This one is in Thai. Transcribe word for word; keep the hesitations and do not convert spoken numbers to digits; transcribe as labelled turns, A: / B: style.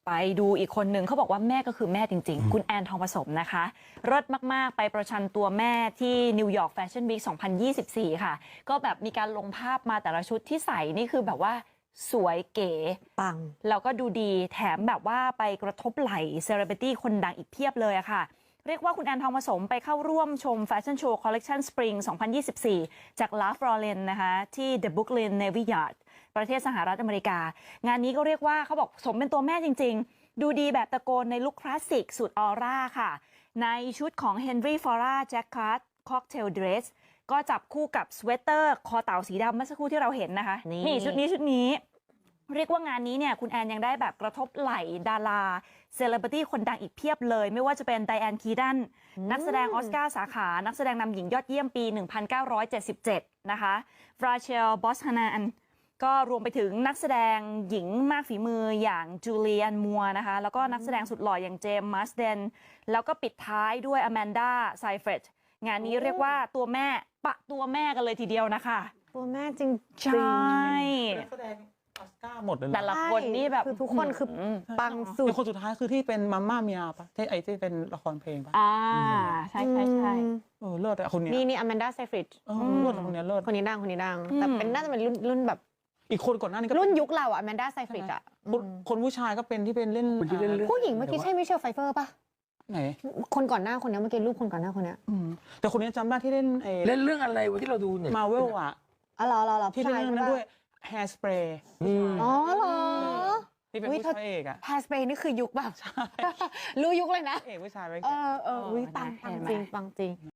A: ไปดูอีกคนนึงเขาบอกว่าแม่ก็คือแม่จริงๆคุณแอนทองผสมนะคะเลิศมากๆไปประชันตัวแม่ที่นิวยอร์กแฟชั่นวีคสองพันยี่สิบสี่ค่ะก็แบบมีการลงภาพมาแต่ละชุดที่ใส่นี่คือแบบว่าสวยเก๋
B: ปัง
A: แล้วก็ดูดีแถมแบบว่าไปกระทบไหล่เซเลบริตี้คนดังอีกเพียบเลยอะค่ะเรียกว่าคุณแอนทองผสมไปเข้าร่วมชมแฟชั่นโชว์คอลเลกชันสปริงสองพันยี่สิบสี่จากลาฟลอเรนนะคะที่ The Brooklyn Navy Yard ประเทศสหรัฐอเมริกางานนี้ก็เรียกว่าเขาบอกสมเป็นตัวแม่จริงๆดูดีแบบตะโกนในลุคคลาสสิกสุดออร่าค่ะในชุดของ Henry Fora Jacquard Cocktail Dress ก็จับคู่กับสเวตเตอร์คอเต่าสีดำเมื่อสักครู่ที่เราเห็นนะคะนี่ชุดนี้ชุดนี้เรียกว่างานนี้เนี่ยคุณแอนยังได้แบบกระทบไหล่ดาราเซเลบริตี้คนดังอีกเพียบเลยไม่ว่าจะเป็นไดแอนคีดันนักแสดงออสการ์สาขานักแสดงนำหญิงยอดเยี่ยมปีหนึ่งพันเก้าร้อยเจ็ดสิบเจ็ดนะคะฟราเชลบอสฮานานก็รวมไปถึงนักแสดงหญิงมากฝีมืออย่างจูเลียนมัวนะคะแล้วก็นักแสดงสุดหล่ออย่างเจมส์มัสเดนแล้วก็ปิดท้ายด้วยอแมนดาไซเฟรดงานนี้เรียกว่าตัวแม่ปะตัวแม่กันเลยทีเดียวนะคะ
B: ตัวแม่จริง
A: ใช่
C: นักแสดงออสการ์หมดเลย
A: แต่ละคนนี่แบบ
B: คือทุกคนคือปังสุด
C: คนสุดท้ายคือที่เป็นมัมม่าเมียปะที่ไอที่เป็นละครเพลงปะ
A: อ่าใช่ใช่ใช่
C: เออเลิศอะคนนี้
B: นี่นี่อแมนดาไซฟริด
C: เออเลิศคนนี้เลิศ
B: คนนี้ดังคนนี้ดังแต่เป็นน่าจะเป็นรุ่นรุ่นแบบ
C: อีกคนก่อนหน้านี้ก็
B: รุ่นยุคเราอะอแมนดาไซฟริดอะ
C: คนผู้ชายก็เป็นที่เป็นเล่น
B: ผู้หญิงเมื่อกี้ใช่มิเชลไฟเฟอร์ปะ
C: ไหน
B: คนก่อนหน้าคนนี้เมื่อกี้รูปคนก่อนหน้าคนนี้
C: แต่คนนี้จำได้ที่เล่น
D: เล่นเรื่องอะไรวะที่เราดูเนี่ย
C: มาเวลอะ
B: อ๋อเหรอเหรอ
C: ที่เล่นนั้นด้วยแฮร์สเปรย์
B: อ๋อเหรอ
C: ที่เป็นผู้ชายเอกอะ
B: แฮร์สเปรย์นี่คือยุคแบบรู้ยุคเลยนะ
C: เอกผู้ชายไป
B: เออเออปังปังจริงปังจริง